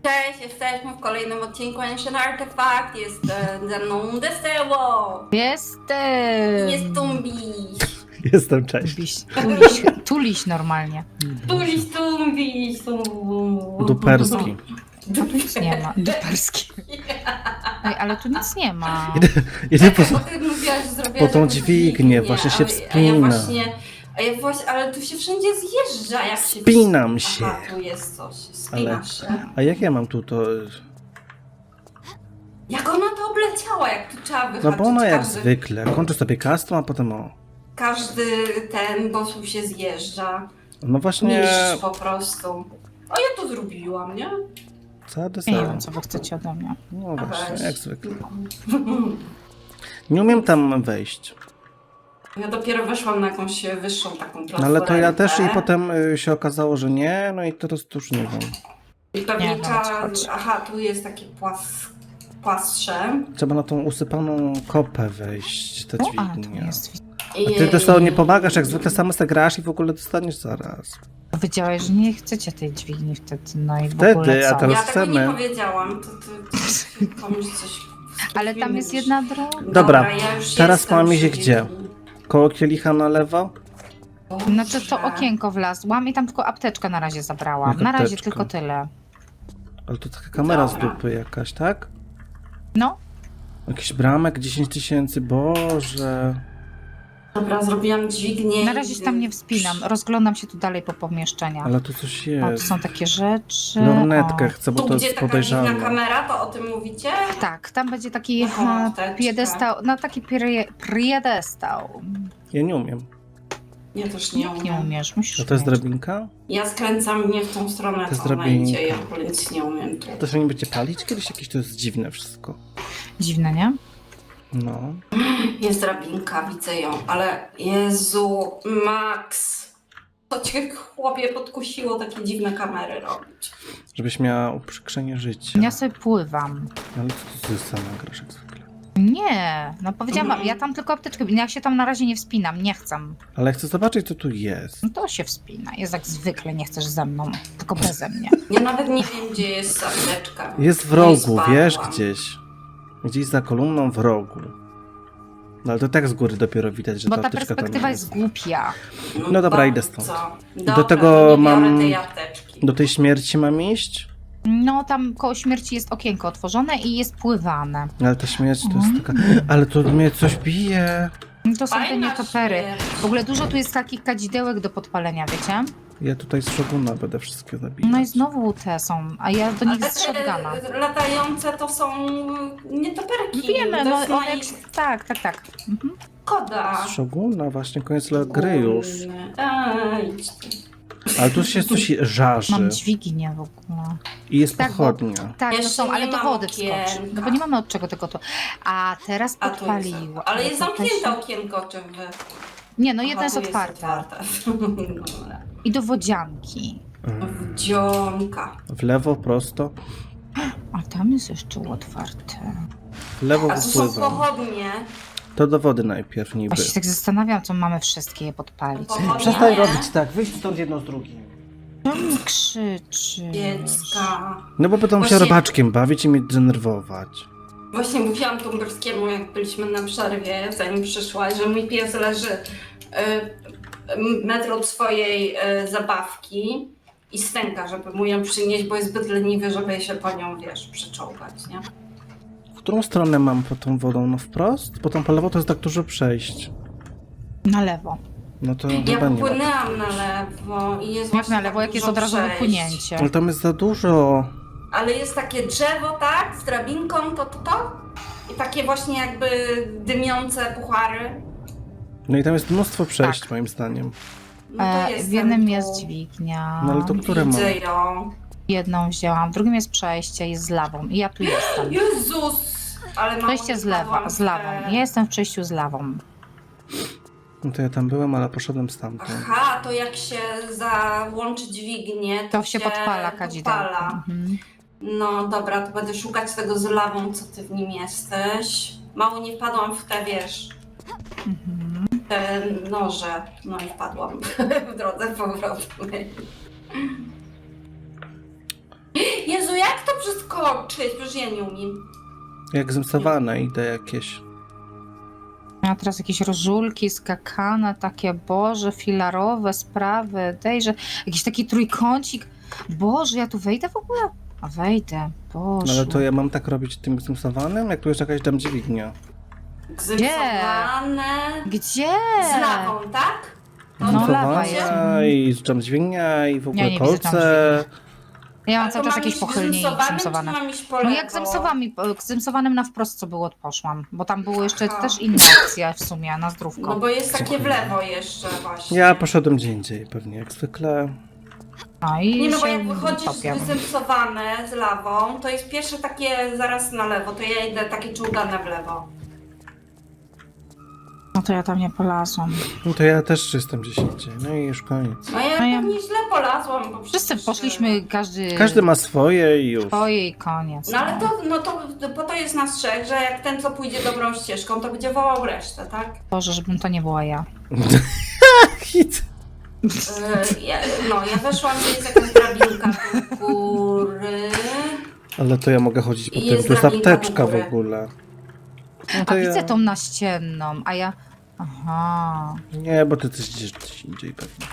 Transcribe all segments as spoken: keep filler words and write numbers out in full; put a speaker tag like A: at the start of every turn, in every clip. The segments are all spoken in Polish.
A: Cześć, jesteśmy w kolejnym odcinku Ancient Artifact. Jest e, ze mną Deseło.
B: Jestem!
A: Jest Tumbi.
C: Jestem, cześć.
B: Tuliś, tuliś, tuliś normalnie.
A: Tuliś, Tumbi. Tum-
C: Duperski.
B: Nic nie ma. Duperski. Ej, ale tu nic nie ma.
C: Idę po,
A: Bo ty mówiłaś, że zrobiłaś
C: po tą
A: jakąś
C: dźwignię, właśnie się
A: a, A ja
C: wspina.
A: właśnie, a ja właśnie, ale tu się wszędzie zjeżdża, jak się...
C: Wspinam się.
A: Aha, tu jest coś, spina
C: Ale-
A: się.
C: A jak ja mam tu to...
A: Jak ona to obleciała, jak tu trzeba
C: No
A: wyhaczyć
C: bo ona jak
A: każdy,
C: zwykle. Kończy sobie castą, a potem o.
A: każdy ten, bo tu się zjeżdża.
C: No właśnie...
A: Niszcz po prostu. O, ja to zrobiłam, nie?
C: Co
B: Ja nie
C: deser?
B: wiem, co wy chcecie ode mnie.
C: No
A: A
C: właśnie,
A: weź.
C: jak zwykle. Nie umiem tam wejść.
A: Ja dopiero weszłam na jakąś wyższą taką
C: No
A: platformę.
C: ale to ja też i potem y, się okazało, że nie, no i teraz to już nie wiem.
A: I pewnie
B: Nie,
A: trzeba...
B: chodź, chodź.
A: Aha, tu jest takie płas... płastrze.
C: Trzeba na tą usypaną kopę wejść, te
B: O, a, tu
C: dźwignie.
B: jest.
A: I...
C: A ty też to nie pomagasz, jak zwykle sama se grasz i w ogóle dostaniesz zaraz.
B: Powiedziałeś, że nie chcecie tej dźwigni wtedy, no i w
C: Wtedy,
B: ogóle
C: a
B: co?
C: teraz-
A: Ja tego nie
C: chcemy.
A: powiedziałam, to ty komuś coś...
B: Ale tam jest jedna droga.
C: Dobra,
A: ja już
C: teraz
A: jestem
C: mam iść
A: przy
C: gdzie?
A: dźwigni.
C: Koło kielicha na lewo?
B: Znaczy to
A: Boże.
B: okienko wlazłam i tam tylko apteczkę na razie zabrałam.
C: Jak
B: Na razie
C: apteczkę?
B: tylko tyle.
C: Ale to taka kamera z
A: Dobra.
C: dupy jakaś, tak?
B: No,
C: Jakiś bramek, dziesięć tysięcy, Boże.
A: Dobra, zrobiłam dźwignię.
B: na
A: i-
B: razie się tam nie wspinam. Rozglądam się tu dalej po pomieszczeniach.
C: Ale tu coś
B: O, tu
C: jest.
B: są takie rzeczy.
C: Lornetkę
B: O.
C: chcę, bo
A: Tu,
C: to
A: gdzie
C: jest
A: taka dziwna
C: podejrzane.
A: kamera, to o tym mówicie?
B: Tak, tam będzie taki
A: Aha,
B: e,
A: apteczka.
B: piedestał, no taki prie- piedestał.
C: Ja nie umiem.
A: Ja też nie
B: Nie
A: umiem.
B: umiesz, musisz
C: A to jest
B: umieć.
C: drabinka?
A: Ja skręcam nie w tą stronę,
C: To jest
A: co ona
C: drabinka.
A: idzie, ja w ogóle nic nie umiem tu.
C: To się nie będzie palić kiedyś? Jakieś to jest dziwne wszystko.
B: Dziwne, nie?
C: No.
A: Jest drabinka, widzę ją, ale Jezu, Max, to cię chłopie podkusiło takie dziwne kamery robić.
C: Żebyś miała uprzykrzenie życia.
B: Ja sobie pływam.
C: Ale co ty sama grasz jak zwykle?
B: Nie, no powiedziałam wam,
A: Mhm.
B: ja tam tylko apteczkę, ja się tam na razie nie wspinam, nie chcę.
C: Ale chcę zobaczyć, co tu jest.
B: No to się wspina, jest jak zwykle, nie chcesz ze mną, tylko beze mnie.
A: Ja nawet nie wiem, gdzie jest apteczka.
C: Jest w
A: No i
C: rogu,
A: spadłam.
C: wiesz, gdzieś. Gdzieś za kolumną w rogu. No ale to tak z góry dopiero widać, że
B: Bo
C: ta
B: ta
C: apteczka tam
B: perspektywa
C: jest.
B: jest głupia.
C: No dobra,
A: bardzo.
C: idę stąd.
A: Dobra,
C: Do tego
A: to nie biorę
C: mam-
A: tej apteczki.
C: Do tej śmierci mam iść?
B: No tam koło śmierci jest okienko otworzone i jest pływane.
C: Ale ta śmierć to jest
B: Mhm.
C: taka... Ale to mnie coś bije.
B: To są te
A: Fajna
B: nietopery.
A: śmierć.
B: W ogóle dużo tu jest takich kadzidełek do podpalenia, wiecie?
C: Ja tutaj z szoguna będę wszystkie zabijać.
B: No i znowu te są, a ja do nich
A: Ale
B: z shotguna.
A: te latające to są nietoperki.
B: Wiemy,
A: to
B: no
A: jest
B: one
A: moja
B: jak... Tak, tak, tak. Mhm.
A: koda.
C: Z szoguna, właśnie koniec le- gry już.
A: Ej, idź ty.
C: Ale tu się coś żarzy.
B: Mam dźwignię w ogóle.
C: I jest
B: Tak, bo-
C: pochodnia.
B: Tak, no
A: Jeszcze
B: są, ale
A: nie
B: do
A: mam
B: wody wskoczy.
A: okienka.
B: No bo nie mamy od czego tego to. A teraz
A: A tu jest,
B: podpaliło.
A: ale jest
B: to też-
A: zamknięte okienko, czy wy?
B: Nie, no
A: Aha,
B: jedno jest
A: tu
B: otwarte.
A: Dobra.
B: I do wodzianki.
C: Mm.
A: Wdzionka.
C: W lewo, prosto.
B: A tam jest jeszcze otwarte.
C: W lewo
A: A tu są
C: wypływam.
A: pochodnie.
C: To do wody najpierw niby.
B: Właśnie się tak zastanawiam, co mamy wszystkie je podpalić.
A: Pochodnie.
C: Przestań robić tak, wyjść stąd jedno z drugim.
B: Co mi krzyczy?
A: Dziecka.
C: No bo będą się
A: Właśnie-
C: robaczkiem bawić i mnie denerwować.
A: Właśnie mówiłam Tumberskiemu, jak byliśmy na przerwie, zanim przyszłaś, że mój pies leży y, metr od swojej y, zabawki i stęka, żeby mu ją przynieść, bo jest zbyt leniwy, żeby się po nią, wiesz, przyczołgać, nie?
C: W którą stronę mam po tą wodą? No wprost? Bo tam po lewo to jest tak dużo przejść.
B: Na lewo.
C: No to
A: Ja
C: chyba nie ma.
A: popłynęłam na lewo i jest
B: Jak
A: właśnie
B: na lewo,
A: tak
B: jak jest
A: dużo
B: od razu
A: przejść.
B: wypłynięcie.
C: Ale tam jest za dużo.
A: Ale jest takie drzewo, tak, z drabinką, to, to, to. I takie właśnie jakby dymiące puchary.
C: No i tam jest mnóstwo przejść
B: Tak.
C: moim zdaniem.
A: No to
B: E,
A: jest
B: w jednym
A: tu.
B: jest dźwignia.
C: No ale to które mam?
A: Widzę ją.
B: Jedną wzięłam, w drugim jest przejście, jest z lawą. I ja tu jestem.
A: Jezus! Ale mało
B: Przejście
A: nie
B: z lewa,
A: wpadłam
B: z
A: w
B: lawą.
A: te-
B: Ja jestem w przejściu z lawą.
C: No to ja tam byłem, ale poszedłem stamtąd.
A: Aha, to jak się załączy dźwignię, to,
B: To się podpala kadzidełko.
A: podpala.
B: Mhm.
A: No dobra, to będę szukać tego z lawą, co ty w nim jesteś. Mało nie wpadłam w te, wiesz,
B: Mhm.
A: te noże. No i wpadłam w drodze powrotnej. Jezu, jak to przeskoczyć? Przecież ja nie umiem.
C: Jak zemstowane idę jakieś.
B: A teraz jakieś rożulki, skakane, takie, Boże, filarowe sprawy, dejże, jakiś taki trójkącik. Boże, ja tu wejdę w ogóle? A wejdę, Boże.
C: No ale to ja mam tak robić tym zemstowanym? Jak tu jest jakaś tam dźwignia.
A: Zymsowane.
B: Gdzie?
A: Z lawą, tak?
B: No,
A: to
B: lawa
A: będzie?
C: Zemstowana i tam dźwignia i w ogóle
B: Ja nie widzę tam
C: kolce.
B: Ja mam
A: A to
B: cały czas
A: mam
B: jakieś
A: iść
B: pochylnie i
A: zymsowanym,
B: zymsowane.
A: czy mam iść po
B: No
A: lewo?
B: jak zemsowami, zymsowanym na wprost co było, poszłam. Bo tam było jeszcze
A: Aha.
B: też inna opcja w sumie, na zdrówko.
A: No bo jest takie w lewo jeszcze właśnie.
C: Ja poszedłem gdzie indziej, pewnie jak zwykle.
B: No i
A: Nie no, bo
B: się
A: jak wychodzisz
B: topię.
A: zymsowane z lawą, to jest pierwsze takie zaraz na lewo, to ja idę takie czołgane w lewo.
B: No to ja tam nie polazłam.
C: No to ja też jestem gdzieś indziej. No i już koniec.
A: No ja
B: No ja-
A: pewnie źle polazłam, bo
B: Wszyscy
A: przecież,
B: poszliśmy, każdy...
C: Każdy ma swoje i już.
B: swoje i koniec.
A: No ale to, no to po to jest nas trzech, że jak ten co pójdzie dobrą ścieżką, to będzie wołał resztę, tak?
B: Boże, żebym to nie była ja.
C: Hit.
A: Yy, ja, no ja weszłam, gdzie jest jakaś drabinka do góry.
C: Ale to ja mogę chodzić po
A: I
C: tym.
A: jest
C: Tu jest
A: drabinka
C: apteczka
A: w
C: w
A: górę.
C: ogóle. No
B: A
C: to ja...
B: widzę tą naścienną, a ja... Aha,
C: Nie, bo ty coś gdzieś indziej pewnie.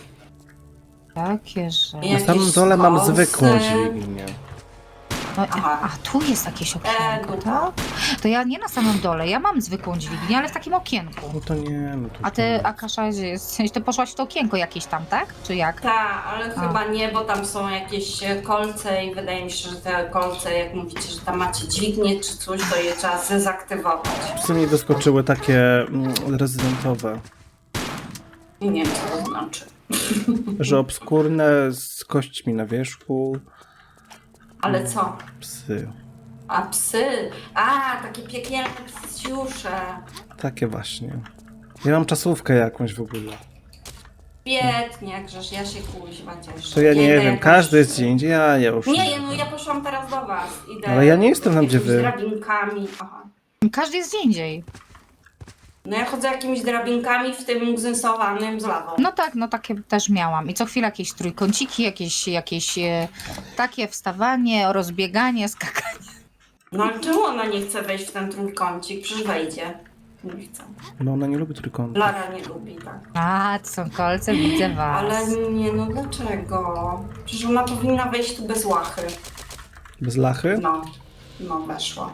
B: takie że...
A: Ja-
C: Na samym
A: Jakieś
C: dole mam
A: skosy.
C: zwykłą dźwignię.
B: No,
A: Aha.
B: a tu jest jakieś okienko,
A: E,
B: tak? To ja nie na samym dole, ja mam zwykłą dźwignię, ale w takim okienku.
C: No to nie, no to
B: A ty,
C: nie.
B: Akasza, gdzie jest? Ty poszłaś w to okienko jakieś tam, tak? Czy jak?
A: Tak, ale
B: A.
A: chyba nie, bo tam są jakieś e, kolce i wydaje mi się, że te kolce, jak mówicie, że tam macie dźwignię czy coś, to je trzeba zdezaktywować.
C: Co mi wyskoczyły takie mm, rezydentowe,
A: I nie wiem, co to znaczy.
C: że obskurne z kośćmi na wierzchu,
A: Ale co?
C: psy.
A: A psy? A, takie piekielne psiusze.
C: Takie właśnie. Ja mam czasówkę jakąś w ogóle.
A: Biednie, jakżeż ja się kuźwa cieszę.
C: To ja nie
A: Idę
C: wiem,
A: jakoś-
C: każdy jest gdzie indziej, ja, ja już
A: Nie, no ja poszłam teraz do was. Idę
C: Ale ja nie jestem tam, gdzie
A: jakimiś
C: wy.
A: drabinkami. Aha.
B: Każdy jest gdzie indziej.
A: No ja chodzę jakimiś drabinkami w tym gzynsowanym z lawą.
B: No tak, no takie też miałam. I co chwilę jakieś trójkąciki, jakieś, jakieś e, takie wstawanie, rozbieganie, skakanie.
A: No ale czemu ona nie chce wejść w ten trójkącik? Przecież wejdzie. Nie chce.
C: No ona nie lubi trójkątów.
A: Lara nie lubi, tak.
B: A, to są kolce, widzę was.
A: Ale nie, no dlaczego? Przecież ona powinna wejść tu bez łachy.
C: Bez lachy?
A: No, no weszła.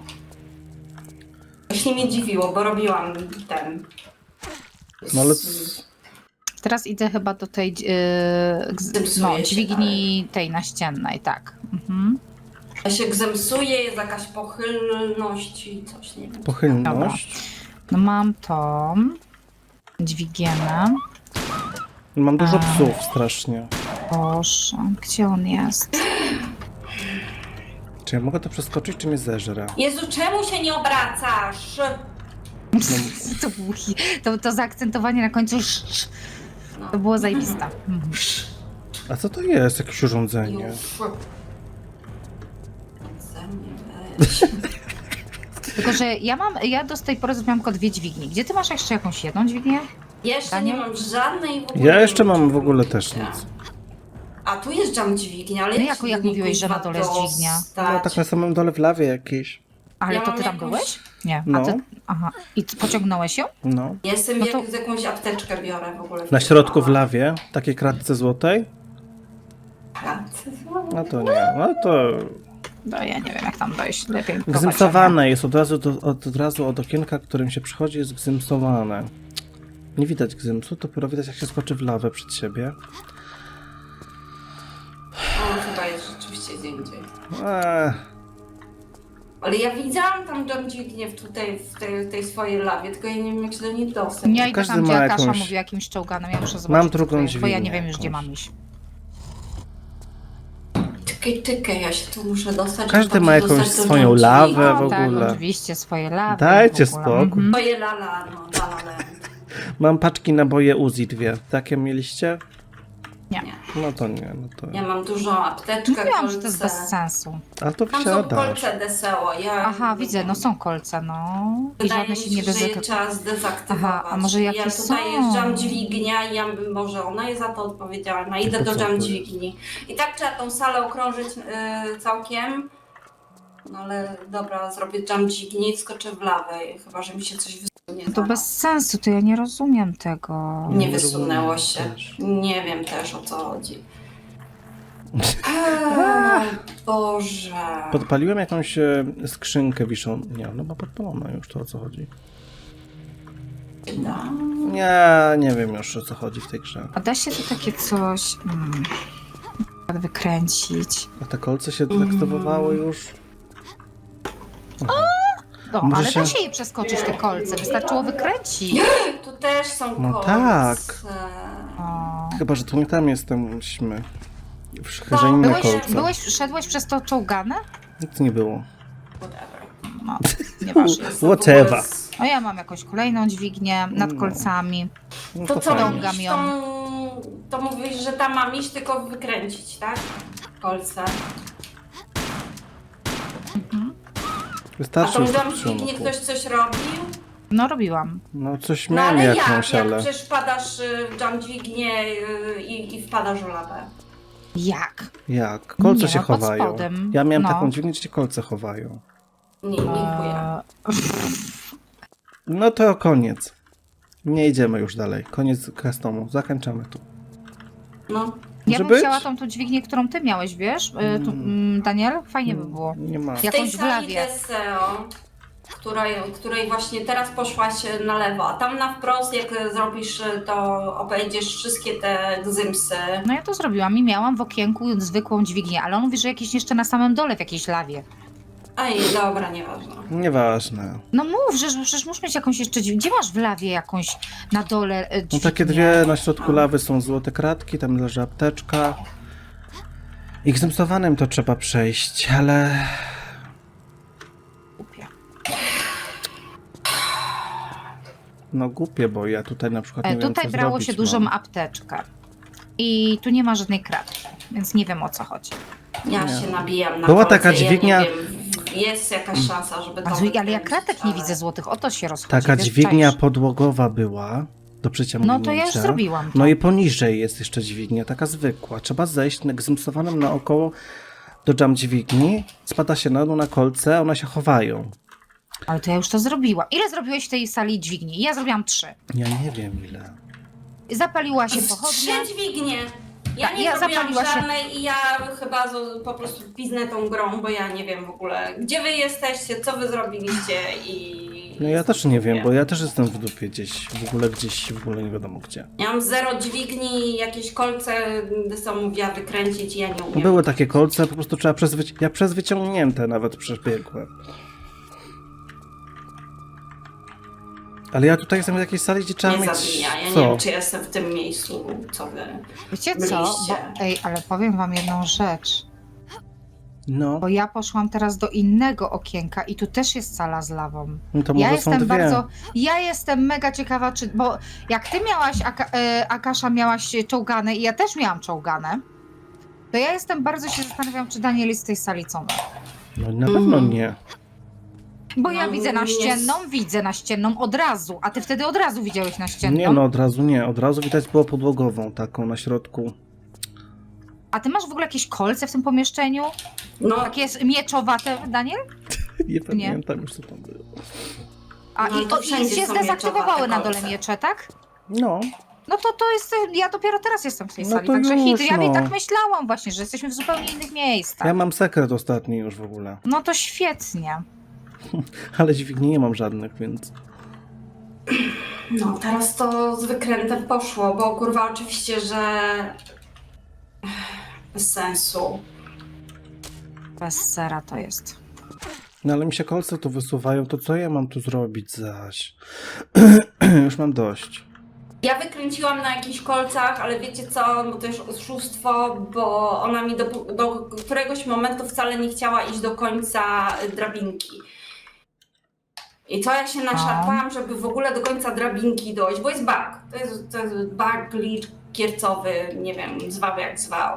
A: Właśnie mnie dziwiło, bo robiłam ten...
C: No ale...
B: Teraz idę chyba do tej e, gz-
A: Zepsuje
B: no,
A: się,
B: dźwigni tej naściennej, tak. Mhm.
A: Ja się gzemsuje, jest jakaś pochylność i coś, nie wiem.
C: Pochylność.
B: No mam tą dźwigienę.
C: Mam dużo
B: A.
C: psów strasznie.
B: Boże, gdzie on jest?
C: Czy ja mogę to przeskoczyć, czy mnie zeżre?
A: Jezu, czemu się nie obracasz?
B: To, był, hi- to, to zaakcentowanie na końcu sz, sz,
A: No.
B: to było zajebiste. Mhm.
C: A co to jest? Jakieś urządzenie?
A: Już. Ze mnie weź.
B: Tylko, że ja mam, ja do tej pory zrobiłam tylko dwie dźwignie. Gdzie ty masz jeszcze jakąś jedną dźwignię?
A: Jeszcze nie
B: Daniel?
A: mam żadnej w ogóle.
C: Ja
A: nie
C: jeszcze
A: wiem,
C: mam
A: czy
C: w ogóle
A: mam
C: też
A: dźwignię.
C: nic.
A: A tu jest jam dźwignia, ale
B: No
A: jak
B: jak-
A: się
B: jak
A: do niej,
B: mówiłeś, że na
A: kuźwa,
B: dole jest dźwignia?
C: No
A: dostać?
C: tak na samym dole w lawie jakieś.
B: Ale
A: Ja
B: to
A: mam
B: ty tam
A: jakąś-
B: byłeś? Nie.
C: No.
B: A ty, aha. I ty pociągnąłeś ją?
C: No.
A: Jestem
B: No
A: jak
B: to-
A: z jakąś apteczkę biorę w ogóle.
C: Na środku w lawie, takiej kratce złotej? No to nie, no to...
B: No ja nie wiem jak tam dojść. Lepiej prowadź,
C: Gzymsowane jest od razu, do, od, od razu od okienka, którym się przychodzi, jest gzymsowane. Nie widać gzymsu, dopiero widać jak się skoczy w lawę przed siebie.
A: O, chyba jest rzeczywiście gdzie indziej.
C: Eee,
A: Ale ja widziałam tam jam dźwignię w tutaj, w tej, tej swojej lawie, tylko ja nie wiem jak się do niej dostać.
B: Ja idę
C: Każdy
B: tam, gdzie
C: ma
B: Akasza
C: jakąś-
B: mówi o jakimś czołganem. Ja muszę zobaczyć.
C: Mam
B: co
C: drugą
B: to jest, bo ja nie
C: dźwignię
B: wiem już gdzie
C: jakąś.
B: mam iść.
A: Tykaj, tykaj, ja się tu muszę dostać.
C: Każdy
A: żeby
C: ma
A: dostać
C: jakąś
A: do
C: swoją
A: jam
C: lawę
A: dźwigni.
C: w
B: tak,
C: ogóle.
B: oczywiście, swoje lawy.
C: Dajcie
B: w ogóle.
C: spokój.
B: Mhm.
A: Moje lala, no, lala land.
C: Mam paczki naboje Uzi dwie. Takie mieliście?
B: Nie.
C: No to nie, no to...
A: Ja mam dużą apteczkę,
B: Mówiłam,
A: kolce.
B: że to jest bez sensu.
C: Ale to
A: Tam są
C: wsiadasz.
A: kolce Deseo. Ja
B: Aha, widzę, no są kolce, no. I
A: Wydaje
B: żadne
A: mi
B: się
A: się,
B: nie
A: że je
B: ryzyka.
A: trzeba zdezaktywować.
B: Aha, a może jakie
A: ja tutaj
B: są?
A: jeżdżam dźwignia i ja, może ona jest za to odpowiedzialna. Idę
C: To
A: do
C: co
A: jam
C: to jest?
A: dźwigni. I tak trzeba tą salę okrążyć y, całkiem. No ale dobra, zrobię jam dźwigni i skoczę w lawę. Chyba, że mi się coś wysunie.
B: To
A: zaraz.
B: bez sensu, to ja nie rozumiem tego.
A: Nie
C: Nie
A: wysunęło
C: rozumiem
A: się.
C: też.
A: Nie wiem też, o co chodzi. Eee, Boże.
C: Podpaliłem jakąś e, skrzynkę wiszą. Nie, no bo podpalona już, to o co chodzi.
A: Da.
C: Nie, nie wiem już o co chodzi w tej grze.
B: A da się to takie coś mm, wykręcić?
C: A te kolce się deaktywowały już?
B: No,
C: Może
B: ale
C: się-
B: da się je przeskoczyć, te kolce. Wystarczyło wykręcić.
A: Tu też są
C: No
A: kolce.
C: tak.
B: O.
C: Chyba, że tu nie tam jesteśmy. W
A: No,
C: że inne
B: Byłeś,
C: kolce.
B: byłeś, szedłeś przez to czołgane?
C: Nic nie było.
A: Whatever.
B: No, nieważne.
A: Jestem w
C: Whatever.
A: ogóle z-
B: No ja mam jakąś kolejną dźwignię nad
C: No.
B: kolcami.
C: No
A: To
C: to
A: co,
C: fajnie.
B: Dągam
A: iść
B: ją.
A: tą... to mówisz, że tam mam iść, tylko wykręcić, tak? Kolce. A
C: Wystarczy
A: to
C: już
A: mówiłam,
C: tak
A: że dźwignię
C: przyłamku.
A: ktoś coś robił?
B: No robiłam.
C: No coś
A: No
C: miałem
A: ale jak?
C: jakąś,
A: Jak
C: ale...
A: przecież wpadasz y, w jam dźwignię y, i, i wpadasz w lawę.
B: Jak?
C: Jak? Kolce
B: Nie,
C: się
B: no, pod
C: chowają.
B: spodem.
C: Ja miałem
B: No.
C: taką dźwignię, gdzie się kolce chowają.
A: Nie, dziękuję.
B: Eee,
C: No to koniec. Nie idziemy już dalej. Koniec customu. Zakończamy tu.
A: No.
B: ja
C: Może
B: bym
C: być?
B: chciała tą tu dźwignię, którą ty miałeś, wiesz? E, tu, mm, Daniel? Fajnie by było.
C: Nie ma.
B: Jak-
A: W tej
B: Jakąś w
A: sali
B: lawie.
A: Deseo, której, której właśnie teraz poszłaś na lewo, a tam na wprost, jak zrobisz, to obejdziesz wszystkie te gzymsy.
B: No ja to zrobiłam i miałam w okienku zwykłą dźwignię, ale on mówi, że jakieś jeszcze na samym dole w jakiejś lawie.
A: Ej, dobra, nieważne.
C: Nieważne.
B: No mów, że że przecież muszę mieć jakąś jeszcze dźwignię. Gdzie masz w lawie jakąś na dole e,
C: No
B: dźwignię?
C: takie dwie na środku
A: A.
C: lawy są złote kratki, tam leży apteczka. I gzymsowanym to trzeba przejść, ale...
B: Głupie.
C: No głupie, bo ja tutaj na przykład nie
B: E,
C: wiem,
B: Tutaj
C: co
B: brało
C: zrobić
B: się dużą
C: mam.
B: apteczkę. I tu nie ma żadnej kratki, więc nie wiem o co chodzi.
A: Ja
C: Nie.
A: się nabijam na
C: Była
A: kolce,
C: taka dźwignia-
A: Ja nie wiem, jest jakaś szansa, żeby to
B: A, ale ja
A: wykręcić,
B: kratek nie
A: ale-
B: widzę złotych, o to się rozchodzi.
C: Taka
B: wiesz,
C: dźwignia
B: czaisz?
C: podłogowa była do przeciągnięcia.
B: No to ja już zrobiłam to.
C: No i poniżej jest jeszcze dźwignia, taka zwykła. Trzeba zejść na gzymsowanym naokoło do jam dźwigni, spada się na dół na kolce, one się chowają.
B: Ale to ja już to zrobiłam. Ile zrobiłeś w tej sali dźwigni? Ja zrobiłam trzy.
C: Ja nie wiem ile.
B: Zapaliła się
A: Z
B: pochodnia.
A: Trzy dźwignie. Ja
B: Tak,
A: nie
B: ja
A: zrobiłam
B: zapaliła się-
A: żadnej i ja chyba z, po prostu piznę tą grą, bo ja nie wiem w ogóle, gdzie wy jesteście, co wy zrobiliście i...
C: No ja też nie wiem, bo ja też jestem w dupie gdzieś, w ogóle gdzieś, w ogóle nie wiadomo gdzie.
A: Ja mam zero dźwigni, jakieś kolce, co mówiła wykręcić i ja nie umiem.
C: Były takie kolce, po prostu trzeba przez wyci- ja przez wyciągnięte nawet przebiegłem. Ale ja tutaj jestem w jakiejś sali, gdzie trzeba
A: Nie
C: mieć...
A: zabija, ja nie
C: Co?
A: wiem, czy jestem w tym miejscu, co wy...
B: Wiecie co?
A: Byliście.
B: Bo, ej, ale powiem wam jedną rzecz.
C: No,
B: Bo ja poszłam teraz do innego okienka i tu też jest sala z lawą.
C: no to może
B: Ja
C: są
B: jestem
C: dwie.
B: bardzo. Ja jestem mega ciekawa, czy. Bo jak ty miałaś, Aka, e, Akasza, miałaś czołgane i ja też miałam czołgane, to ja jestem bardzo się zastanawiam, czy Daniel jest z tej sali co ma.
C: No na pewno
A: Mm.
C: nie.
B: Bo ja
A: No,
B: widzę
A: nie
B: naścienną, widzę naścienną od razu, a ty wtedy od razu widziałeś naścienną.
C: Nie, no od razu nie. Od razu widać było podłogową, taką na środku.
B: A ty masz w ogóle jakieś kolce w tym pomieszczeniu?
A: No,
B: Takie jest mieczowate, Daniel?
C: Nie pamiętam już co tam było.
B: A
A: No,
B: i,
A: to
B: o,
A: wszędzie
B: i się
A: są
B: zdezaktywowały
A: mieczowate
B: na dole
A: kolce.
B: miecze, tak?
C: No,
B: No to to jest, ja dopiero teraz jestem w tej
C: No
B: sali,
C: to
B: także
C: już,
B: hit. Ja mi
C: no.
B: tak myślałam właśnie, że jesteśmy w zupełnie innych miejscach.
C: ja mam sekret ostatni już w ogóle.
B: No to świetnie.
C: Ale dźwigni nie mam żadnych, więc...
A: no, teraz to z wykrętem poszło, bo kurwa oczywiście, że... Bez sensu.
B: Bez sera to jest.
C: No ale mi się kolce tu wysuwają, to co ja mam tu zrobić zaś? Już mam dość.
A: Ja wykręciłam na jakichś kolcach, ale wiecie co, bo to jest oszustwo, bo ona mi do, do któregoś momentu wcale nie chciała iść do końca drabinki. I co ja się naszarpałam, żeby w ogóle do końca drabinki dojść, bo jest bug. To jest, to jest bug, glitch kiercowy, nie wiem, zwał jak zwał.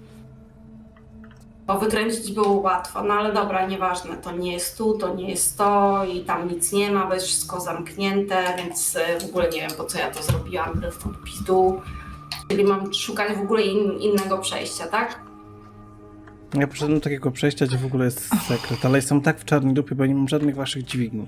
A: Bo wykręcić było łatwo, no ale dobra, nieważne, to nie jest tu, to nie jest to i tam nic nie ma, bo jest wszystko zamknięte, więc w ogóle nie wiem, po co ja to zrobiłam, wbrew podpisu. Czyli mam szukać w ogóle in, innego przejścia, tak?
C: Ja poszedłem do takiego przejścia, gdzie w ogóle jest sekret, ale jestem tak w czarnej dupie, bo nie mam żadnych waszych dźwigni.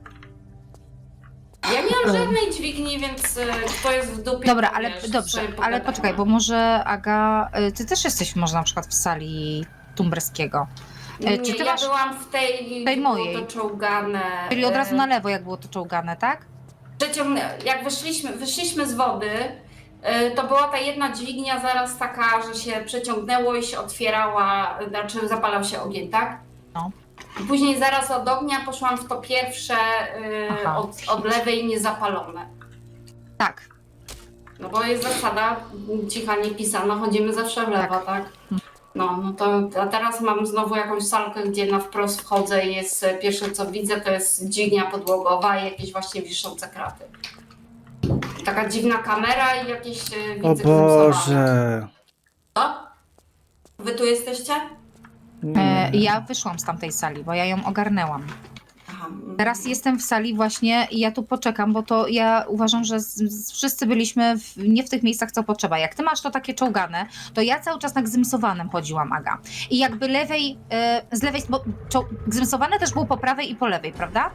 A: Ja nie mam żadnej dźwigni, więc y, kto jest w dupie,
B: Dobra,
A: to
B: ale
A: wiesz,
B: dobrze,
A: sobie
B: ale
A: pogadamy.
B: poczekaj, bo może Aga, y, ty też jesteś może na przykład w sali Tumberskiego. Y,
A: Nie,
B: Czy ty
A: ja
B: masz,
A: byłam w tej,
B: tej
A: było
B: mojej.
A: to czołgane.
B: czyli od razu
A: y,
B: na lewo, jak było to czołgane, tak?
A: Przeciągnę, jak wyszliśmy, wyszliśmy z wody, y, to była ta jedna dźwignia zaraz taka, że się przeciągnęło i się otwierała, znaczy zapalał się ogień, tak?
B: No.
A: I później zaraz od ognia poszłam w to pierwsze, y,
B: Aha.
A: od, od lewej niezapalone.
B: Tak.
A: No bo jest zasada cicha nie pisana, chodzimy zawsze w lewo, tak?
B: Tak.
A: No, no to a teraz mam znowu jakąś salkę, gdzie na wprost wchodzę i jest e, pierwsze co widzę, to jest dźwignia podłogowa i jakieś właśnie wiszące kraty. Taka dziwna kamera i jakieś e, widzę
C: O
A: gzymsowane.
C: Boże!
A: Co? Wy tu jesteście?
B: E, ja wyszłam z tamtej sali, bo ja ją ogarnęłam.
A: Aha. mm.
B: Teraz jestem w sali właśnie i ja tu poczekam, bo to ja uważam, że z, z, wszyscy byliśmy w, nie w tych miejscach, co potrzeba. Jak ty masz to takie czołgane, to ja cały czas na gzymsowanym chodziłam, Aga. I jakby lewej, e, z lewej, bo czoł, gzymsowane też było po prawej i po lewej, prawda?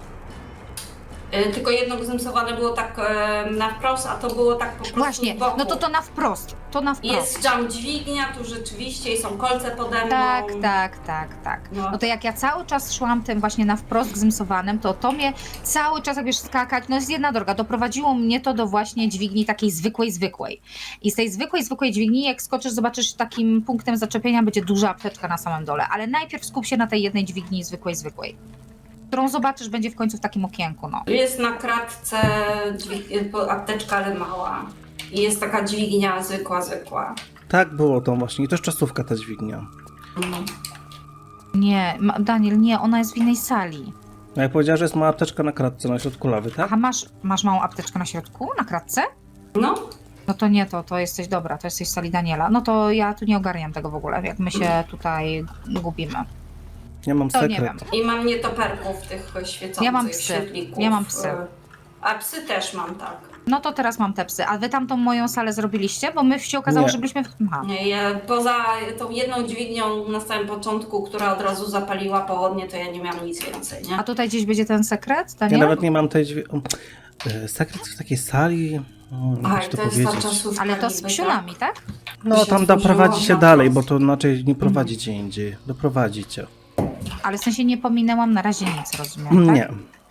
A: E, Tylko jedno gzymsowane było tak e, na wprost, a to było tak po prostu
B: Właśnie,
A: z boku.
B: no to to na wprost, to na wprost.
A: Jest jump dźwignia, tu rzeczywiście i są kolce pode mną.
B: Tak, tak, tak, tak.
A: No.
B: No to jak ja cały czas szłam tym właśnie na wprost gzymsowanym, to to mnie cały czas, jak wiesz, skakać, no jest jedna droga, doprowadziło mnie to do właśnie dźwigni takiej zwykłej, zwykłej. I z tej zwykłej, zwykłej dźwigni, jak skoczysz, zobaczysz, takim punktem zaczepienia będzie duża apteczka na samym dole, ale najpierw skup się na tej jednej dźwigni zwykłej, zwykłej, którą zobaczysz, będzie w końcu w takim okienku, no.
A: Jest na kratce dźwig- po- apteczka, ale mała. I jest taka dźwignia zwykła, zwykła.
C: Tak było to właśnie. I to jest czasówka ta dźwignia.
A: No.
B: Nie, ma- Daniel, nie, ona jest w innej sali.
C: No jak powiedziała, że jest mała apteczka na kratce na środku lawy, tak?
B: Aha, masz, masz małą apteczkę na środku, na kratce?
A: no.
B: No to nie to, to jesteś dobra, to jesteś w sali Daniela. No to ja tu nie ogarniam tego w ogóle, jak my się tutaj gubimy.
C: Ja mam
B: To nie
C: sekret.
B: wiem.
A: I mam nietoperków tych świecących
B: Ja mam psy.
A: świetlików.
B: Ja mam psy.
A: A psy też mam, tak.
B: No to teraz mam te psy. A wy tamtą moją salę zrobiliście? Bo my się okazało,
C: Nie.
B: że byliśmy w... Aha.
A: Nie, ja, poza tą jedną dźwignią na samym początku, która od razu zapaliła pochodnie, to ja nie miałam nic więcej, nie?
B: A tutaj gdzieś będzie ten sekret,
C: Ja
B: Daniel?
C: nawet nie mam tej dźwigni. Sekret w takiej sali. O,
A: Aj,
C: jak to
A: to jest ta
C: powiedzieć.
A: czasówka
B: Ale to z
A: niby,
B: psiunami, tak?
C: No
A: się
C: tam
A: otworzyło
C: doprowadzi się
A: na
C: dalej,
A: czas.
C: bo to inaczej nie prowadzi gdzie indziej. Doprowadzi cię.
B: Ale w sensie nie pominęłam na razie nic, rozumiem, tak?
C: Nie.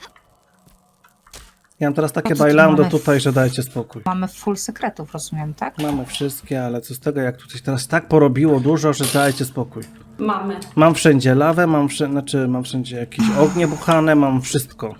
C: Ja mam teraz takie
B: No to tu
C: bailando
B: mamy-
C: tutaj, że dajcie spokój.
B: Mamy full sekretów, rozumiem, tak?
C: Mamy wszystkie, ale co z tego, jak tutaj teraz tak porobiło dużo, że dajcie spokój.
A: Mamy.
C: Mam wszędzie lawę, mam wszędzie, znaczy mam wszędzie jakieś ognie buchane, mam wszystko.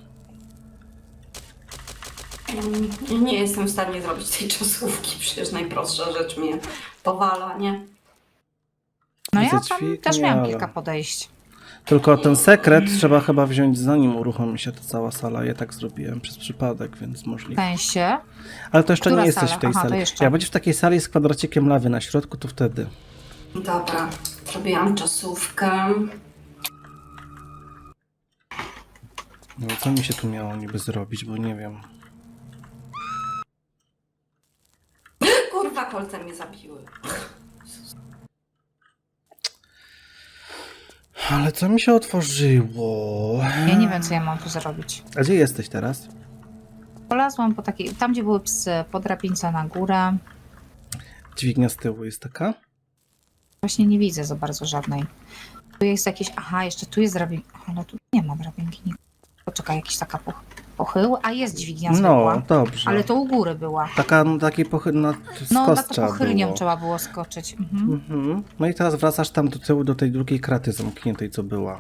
A: Mm, Nie jestem w stanie zrobić tej czasówki, przecież najprostsza rzecz mnie powala, nie?
B: No ja
C: Widzę
B: tam
C: dźwignię,
B: też miałam
C: ale-
B: kilka podejść.
C: Tylko ten sekret trzeba chyba wziąć zanim uruchomi się ta cała sala. Ja tak zrobiłem przez przypadek, więc
B: W
C: możliwe.
B: sensie...
C: Ale to jeszcze
B: Która
C: nie jesteś
B: sala?
C: w tej
B: Aha, to
C: sali.
B: jeszcze.
C: Jak będziesz w takiej sali z kwadracikiem lawy na środku, to wtedy.
A: Dobra, zrobiłam czasówkę.
C: No, co mi się tu miało niby zrobić, bo nie wiem.
A: Kurwa, kolce mnie zabiły.
C: Ale co mi się otworzyło?
B: Ja nie wiem, co ja mam tu zrobić.
C: A gdzie jesteś teraz?
B: Polazłam po takiej... Tam, gdzie były psy, po drabince na górę.
C: Dźwignia z tyłu jest taka?
B: Właśnie nie widzę za bardzo żadnej. Tu jest jakieś... Aha, jeszcze tu jest drabinka. Ale tu nie ma drabinki. Nie- Poczekaj, jakiś taka poch... pochył. A jest dźwignia zwykła.
C: No, dobrze.
B: Ale to u góry była.
C: Taka, no, takiej pochy... no, z
B: No,
C: kos
B: na to
C: trzeba
B: pochylnią
C: było.
B: trzeba było skoczyć. Mhm.
C: Mhm. No i teraz wracasz tam do tyłu, do tej drugiej kraty zamkniętej, co była.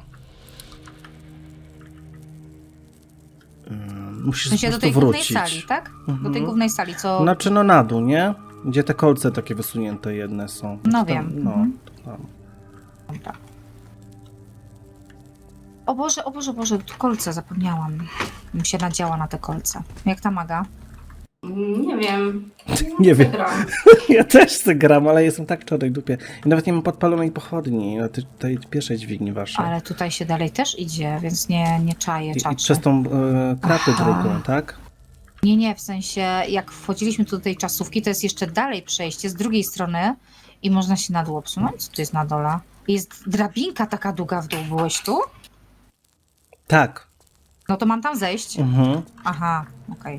C: Ym, Musisz
B: W sensie
C: po
B: do
C: prostu
B: tej głównej
C: wrócić.
B: sali, tak? Do tej
C: Mhm.
B: głównej sali, co...
C: Znaczy no na dół, nie? Gdzie te kolce takie wysunięte jedne są.
B: No
C: Tam,
B: wiem.
C: No,
B: Mhm.
C: to tam.
B: Dobra. O Boże, o Boże, o Boże, tu kolce zapomniałam. Bym się nadziała na te kolce. Jak ta maga?
A: Nie wiem.
C: Nie wiem.
A: Gram.
C: Ja też chcę gram, ale jestem tak czarnej dupie. I nawet nie mam podpalonej pochodni na tej, tej pierwszej dźwigni waszej.
B: Ale tutaj się dalej też idzie, więc nie, nie czaję
C: I, i
B: czaczy.
C: przez tą e, kratę
B: Aha.
C: drugą, tak?
B: Nie, nie, w sensie jak wchodziliśmy tu do tej czasówki, to jest jeszcze dalej przejście z drugiej strony i można się na dół obsunąć. Co tu jest na dole? Jest drabinka taka długa w dół. Byłeś tu?
C: Tak.
B: No to mam tam zejść.
C: Mhm.
B: Aha, okej.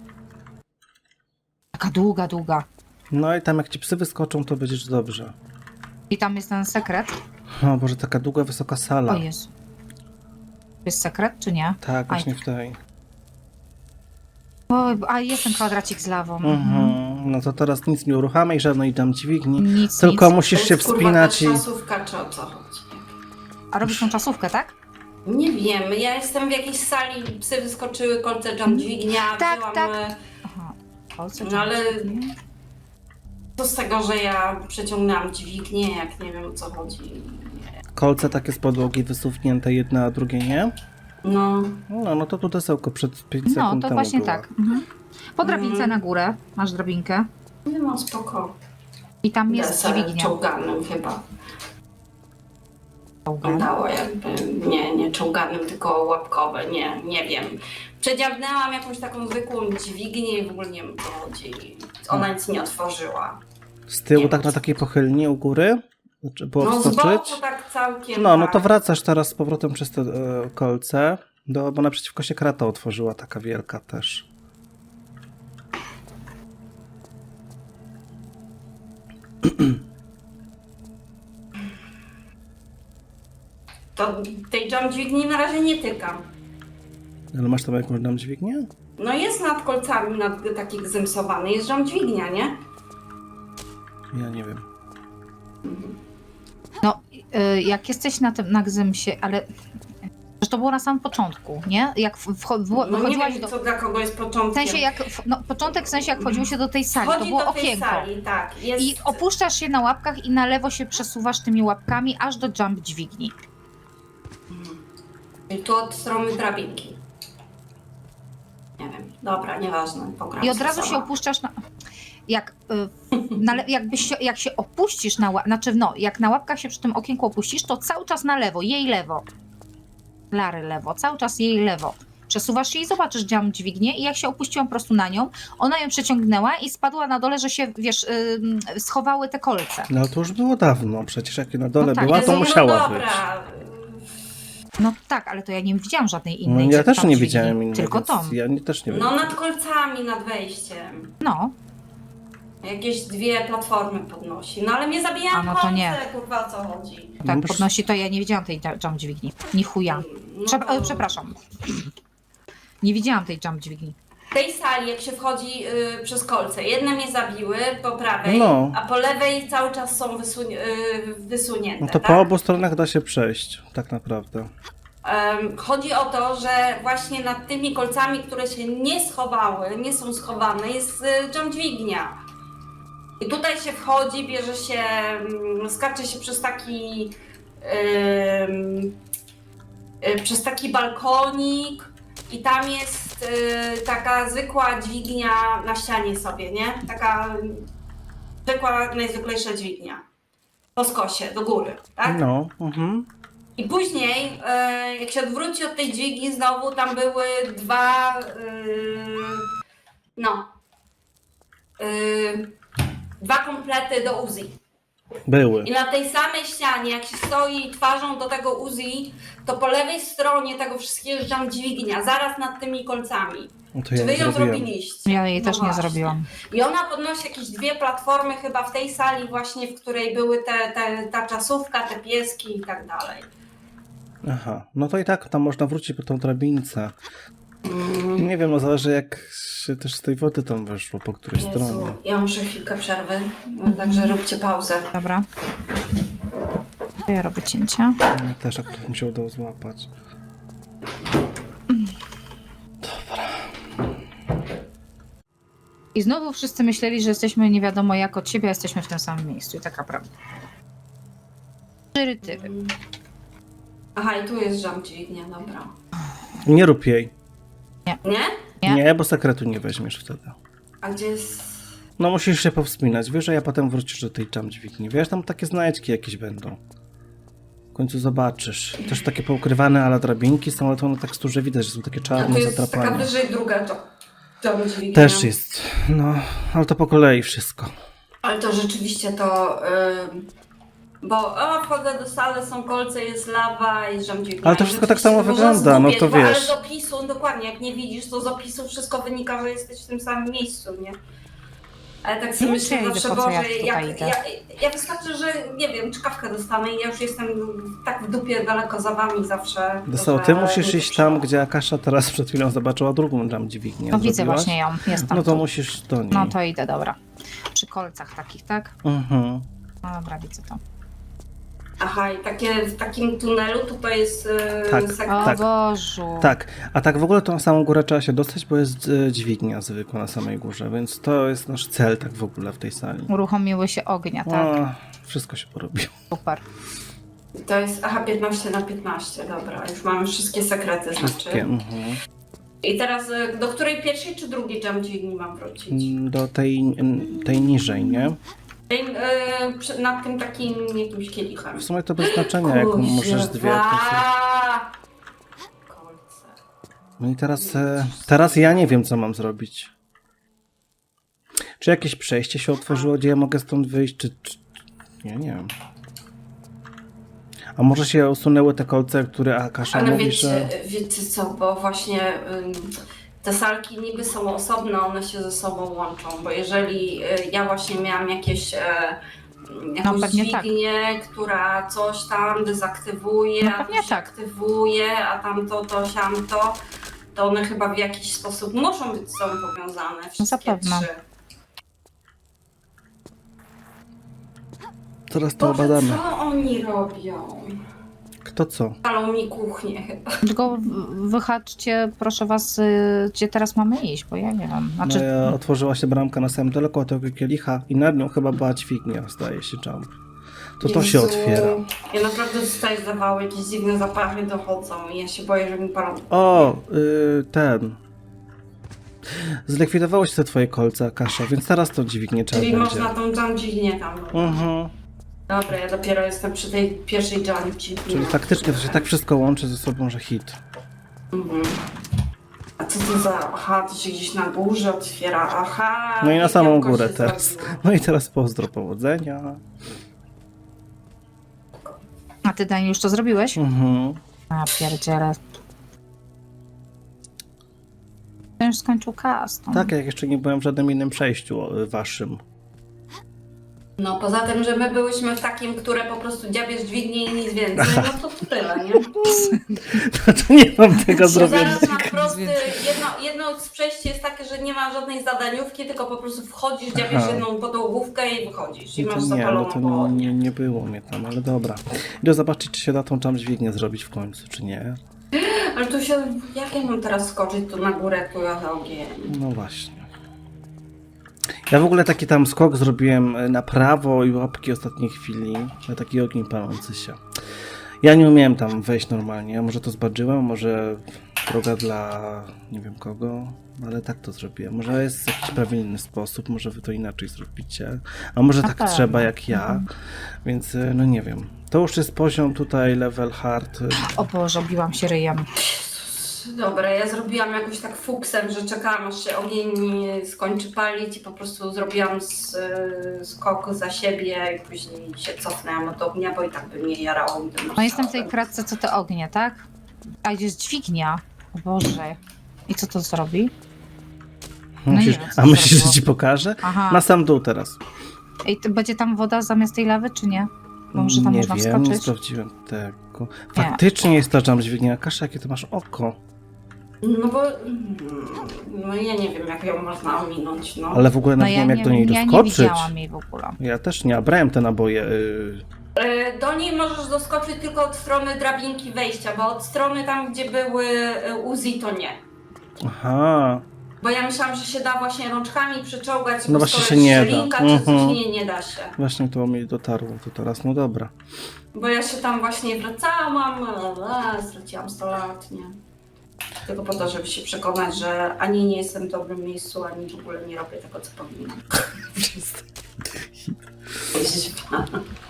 B: Taka długa, długa.
C: No i tam jak ci psy wyskoczą, to będziesz dobrze.
B: I tam jest ten sekret.
C: O Boże, taka długa, wysoka sala.
B: O Jezu. Jest sekret, czy nie?
C: Tak, właśnie w tej.
B: O, a jest ten kwadracik z lawą.
C: Mhm. No to teraz nic nie uruchamiaj, żadnej tam dźwigni.
B: Nic,
C: Tylko
B: nic.
C: musisz
A: To
C: się
A: jest, kurwa,
C: wspinać i...
A: ta czasówka, czy o co chodzi?
B: A robisz tą czasówkę, tak?
A: Nie wiem, ja jestem w jakiejś sali, psy wyskoczyły, kolce jump dźwignia,
B: Tak,
A: wzięłam,
B: tak.
A: e,
B: Aha. Kolce,
A: No ale-
B: dźwignie.
A: co z tego, że ja przeciągnęłam dźwignię, jak nie wiem o co chodzi.
C: Kolce takie z podłogi wysunięte, jedna a drugie nie?
A: No,
C: No, no to tu desełko przed pięć
B: No,
C: sekund
B: to
C: temu
B: właśnie
C: była.
B: tak. Mhm. Po drabince
A: Mhm.
B: na górę. Masz drabinkę.
A: nie mam spoko.
B: I tam jest
A: Deser
B: dźwignia.
A: czołganym chyba.
B: Czołgana.
A: Wyglądało jakby, nie, nie czołganym, tylko łapkowe, nie, nie wiem. Przedziawnęłam jakąś taką zwykłą dźwignię i w ogóle nie wiem o co chodzi. Ona nic nie otworzyła.
C: Z tyłu
A: Nie
C: tak
A: wiem,
C: na
A: co-
C: takiej pochylni u góry? Znaczy było
A: No z
C: wskoczyć?
A: boku tak całkiem.
C: No, no
A: tak.
C: to wracasz teraz z powrotem przez te e, kolce, do, bo naprzeciwko się krata otworzyła, taka wielka też.
A: To tej jump dźwigni na razie nie tykam.
C: Ale masz tam jakąś tam dźwignię?
A: No jest nad kolcami, nad, taki gzymsowany, jest jump dźwignia, nie?
C: Ja nie wiem.
B: No, y, jak jesteś na tym, na Gzymsie, ale że to było na samym początku, nie? Jak w, w, w,
A: No nie
B: wchodziłaś
A: wiem,
B: do...
A: co dla kogo jest
B: W
A: początkiem.
B: sensie jak, w- no początek w sensie jak wchodziło się do tej sali, to
A: Wchodzi
B: było
A: do tej
B: okienko.
A: sali, tak. Jest...
B: I opuszczasz się na łapkach i na lewo się przesuwasz tymi łapkami aż do jump dźwigni.
A: I tu od strony drabinki. Nie wiem, dobra, nieważne. Pogram
B: I od
A: sobie
B: razu się
A: sama.
B: opuszczasz na... Jak, y, na le, jakbyś się, jak się opuścisz na łapkach, znaczy no, jak na łapkach się przy tym okienku opuścisz, to cały czas na lewo, jej lewo. Lary lewo, cały czas jej lewo. Przesuwasz się i zobaczysz jump dźwignię i jak się opuściłam po prostu na nią, ona ją przeciągnęła i spadła na dole, że się, wiesz, y, schowały te kolce.
C: No to już było dawno, przecież jak na dole
B: No tak,
C: była,
A: Jezu,
C: to
A: no
C: musiała być.
A: dobra.
B: No tak, ale to ja nie widziałam żadnej
C: No,
B: innej.
C: ja
B: jump
C: też nie
B: dźwigni,
C: widziałem innej,
B: tylko
C: więc
B: tą.
C: ja nie, też nie wiem.
A: No nad kolcami, nad wejściem.
B: No,
A: Jakieś dwie platformy podnosi. No ale mnie zabijają
B: A, no to
A: kolce,
B: nie.
A: kurwa, o co chodzi.
B: tak
C: No,
B: podnosi, to ja nie widziałam tej jump dźwigni. Ni chuja.
A: No
B: Prze-
A: to-
B: e, przepraszam. Nie widziałam tej jump dźwigni.
A: W tej sali, jak się wchodzi y, przez kolce, jedne mnie zabiły po prawej,
C: No.
A: a po lewej cały czas są wysuń, y, wysunięte.
C: No to
A: tak?
C: po obu stronach da się przejść, tak naprawdę.
A: Em, chodzi o to, że właśnie nad tymi kolcami, które się nie schowały, nie są schowane, jest y, jump dźwignia. I tutaj się wchodzi, bierze się, mm, skacze się przez taki ym, y, przez taki balkonik i tam jest y, taka zwykła dźwignia na ścianie sobie, nie? Taka zwykła, najzwyklejsza dźwignia. Po skosie, do góry, tak?
C: No, mhm.
A: I później, e, jak się odwróci od tej dźwigni, znowu tam były dwa, e, no, e, dwa komplety do Uzi.
C: Były.
A: I na tej samej ścianie, jak się stoi twarzą do tego Uzi, to po lewej stronie tego wszystkiego jest jump dźwignia, zaraz nad tymi kolcami.
C: No to
A: Czy
C: ja
A: wy
C: nie
A: ją
C: zrobiłem.
A: zrobiliście?
B: Ja jej
A: No
B: też nie
A: właśnie.
B: zrobiłam.
A: I ona podnosi jakieś dwie platformy chyba w tej sali właśnie, w której były te, te, ta czasówka, te pieski i tak dalej.
C: Aha, no to i tak tam można wrócić po tą drabince.
A: Mm.
C: Nie wiem, no zależy jak się też z tej wody tam weszło, po której
A: Jezu,
C: stronie.
A: ja muszę chwilkę przerwy, no, także róbcie pauzę.
B: Dobra. To ja robię cięcia.
C: Ja też akurat mi się udało złapać.
B: I znowu wszyscy myśleli, że jesteśmy nie wiadomo jak od siebie, a jesteśmy w tym samym miejscu. I taka prawda. Tyry, tyry.
A: Aha, i tu jest jump dźwignia, dobra.
C: Nie rób jej.
A: Nie?
B: Nie?
C: Nie, bo sekretu nie weźmiesz wtedy.
A: A gdzie jest...
C: No musisz się powspominać, wiesz, a potem wrócisz do tej jump dźwigni. Wiesz, tam takie znajdźki jakieś będą. W końcu zobaczysz. Też takie poukrywane, ale drabinki są, ale to na teksturze widać, że są takie
A: A
C: czarne,
A: tu jest taka
C: zatrapane.
A: wyżej druga to jump dźwignia.
C: Też jest. No, ale to po kolei wszystko.
A: Ale to rzeczywiście to... Yy... Bo o, wchodzę do sali, są kolce, jest lawa i jump dźwignia.
C: Ale to wszystko tak samo
A: Rzeczywiście można
C: wygląda, no
A: zgubić,
C: to
A: bo- Ale
C: wiesz.
A: z opisu, dokładnie, jak nie widzisz, to z opisu wszystko wynika, że jesteś w tym samym miejscu, nie? Ale tak sobie
B: Nie
A: myślę,
B: wiem, czy ja
A: zawsze,
B: idę, po co ja
A: Boże,
B: tutaj
A: jak,
B: idę.
A: ja, ja wystarczy, że nie wiem, czkawkę dostanę i ja już jestem tak w dupie daleko za wami zawsze.
C: Dostał,
A: że
C: ty musisz
A: nie
C: iść tam,
A: dotrzymam.
C: gdzie Akasza teraz przed chwilą zobaczyła drugą jump dźwignię.
B: No widzę
C: Zrobiłaś?
B: właśnie ją, jestem
C: No to
B: tu.
C: musisz do niej.
B: No to idę, dobra. Przy kolcach takich, tak?
C: Mhm.
B: No dobra, widzę to.
A: Aha, i takie, w takim tunelu tutaj jest e,
C: Tak.
A: sekret.
B: O
C: Tak.
B: Bożu.
C: Tak, a tak w ogóle to na samą górę trzeba się dostać, bo jest e, dźwignia zwykła na samej górze, więc to jest nasz cel tak w ogóle w tej sali.
B: Uruchomiły się ognia, tak?
C: O, wszystko się porobiło.
B: Super.
A: To jest, aha, piętnaście na piętnaście, dobra, już mamy wszystkie sekrety,
C: Wszystkie.
A: znaczy.
C: Mhm.
A: I teraz e, do której pierwszej czy drugiej jump dźwigni mam wrócić?
C: Mm, Do tej, tej niżej, nie?
A: Tej, e, przy- nad tym takim jakimś kielichem.
C: W sumie to bez znaczenia, jak możesz dwie. to sobie-
A: Kolce.
C: No i teraz, e, teraz ja nie wiem, co mam zrobić. Czy jakieś przejście się otworzyło, gdzie ja mogę stąd wyjść, czy... czy... Nie, nie wiem. A może się usunęły te kolce, które Akasza
A: Ale
C: mówi,
A: wiecie,
C: że...
A: wiecie co, bo właśnie ym, te salki niby są osobne, one się ze sobą łączą, bo jeżeli y, ja właśnie miałam jakieś e, jakąś
B: pewnie tak.
A: dźwignię, która coś tam dezaktywuje,
B: No
A: a
B: pewnie
A: coś
B: tak.
A: aktywuje, a tamto, to, siamto, to one chyba w jakiś sposób muszą być z sobą powiązane, wszystkie
B: zapewne.
A: trzy.
C: Zaraz to
A: Boże,
C: obadamy.
A: co oni robią?
C: Kto co?
A: Palą mi kuchnię chyba.
B: Tylko w- wyhaczcie, proszę was, y, gdzie teraz mamy iść, bo ja nie wiem.
C: No
B: Znaczy,
C: ja otworzyła się bramka na samym daleko od tego kielicha i nad nią chyba była dźwignia, zdaje się, jump. To to się
A: Jezu,
C: otwiera.
A: Ja naprawdę dostaję zawału, jakieś dziwne zapachy dochodzą i ja się boję, że mi palą.
C: O, y, ten. Zlikwidowało się te twoje kolce, Akasza, więc teraz to dźwignię trzeba
A: Czyli
C: będzie.
A: można tą jump dźwignię tam.
C: Mhm.
A: Dobra, ja dopiero jestem przy tej pierwszej jump dźwigni.
C: Czyli faktycznie to się tak wszystko łączy ze sobą, że hit.
A: Mhm. A co to za... Aha, to się gdzieś na górze otwiera, aha.
C: No i na samą
A: piękko
C: górę
A: się
C: teraz.
A: zrobiło.
C: No i teraz pozdro, powodzenia.
B: a ty, Dani, już to zrobiłeś?
C: Mhm.
B: A pierdziele. Ten już skończył custom.
C: Tak, jak jeszcze nie byłem w żadnym innym przejściu o, waszym.
A: No poza tym, że my byłyśmy w takim, które po prostu dziabiesz dźwignię i nic więcej, no to, to tyle, nie?
C: No to nie mam tego
A: Że
C: zrobienia.
A: zaraz na prosty, jedno, jedno z przejść jest takie, że nie ma żadnej zadaniówki, tylko po prostu wchodzisz, dziabiesz
C: Aha.
A: jedną podłogówkę i wychodzisz. I
C: No
A: masz
C: to nie, no
A: zapaloną
C: to nie,
A: pochodnię.
C: nie, nie było mnie tam, ale dobra. Idę zobaczyć, czy się da tą jump dźwignię zrobić w końcu, czy nie.
A: Ale tu się, jak ja mam teraz skoczyć tu na górę, tu ja za ogień?
C: No właśnie. Ja w ogóle taki tam skok zrobiłem na prawo i łapki ostatniej chwili, na taki ogień palący się. Ja nie umiałem tam wejść normalnie, może to zbadżyłem, może droga dla nie wiem kogo, ale tak to zrobiłem. Może jest jakiś prawilny sposób, może wy to inaczej zrobicie, a może
B: Na
C: tak
B: pewno.
C: trzeba jak ja, więc no nie wiem. To już jest poziom tutaj level hard.
B: O Boże, obiłam się ryjem.
A: Dobra, ja zrobiłam jakoś tak fuksem, że czekałam aż się ogień skończy palić i po prostu zrobiłam z, skok za siebie i później się cofnęłam od ognia, bo i tak by mnie jarało. gdybym
B: No jestem w tej
A: chciała.
B: kratce, co te ognie, tak? A jest dźwignia. O Boże. I co to zrobi? No
C: Musisz,
B: nie wiem, co
C: a
B: to
C: myślisz, że
B: zrobiło.
C: ci pokażę?
B: Aha.
C: Na sam dół teraz.
B: Ej, to będzie tam woda zamiast tej lawy, czy nie? Bo może tam
C: nie
B: można
C: wiem, nie
B: wskoczyć?
C: sprawdziłem tego. Faktycznie jest ta jump dźwignia. Kasza, jakie ty masz oko.
A: No bo no ja nie wiem, jak ją można ominąć, no.
C: Ale w ogóle
B: No
C: nawet nie
B: ja
C: wiem, jak do niej
B: ja nie
C: doskoczyć.
B: widziałam jej w ogóle.
C: Ja też nie, a brałem te naboje. Yy.
A: E, Do niej możesz doskoczyć tylko od strony drabinki wejścia, bo od strony tam, gdzie były e, Uzi, to nie.
C: Aha.
A: Bo ja myślałam, że się da właśnie rączkami przyczołgać,
C: No
A: bo
C: właśnie
A: skoro
C: się
A: jest
C: nie da.
A: szczelinka czy coś,
C: Mhm.
A: nie, nie da się.
C: Właśnie to mi dotarło to teraz. No dobra.
A: Bo ja się tam właśnie wracałam, la, la, straciłam sto lat, nie? Tylko po to, żeby się przekonać, że ani nie jestem w dobrym miejscu, ani w ogóle nie robię tego, co powinnam. Jeździć.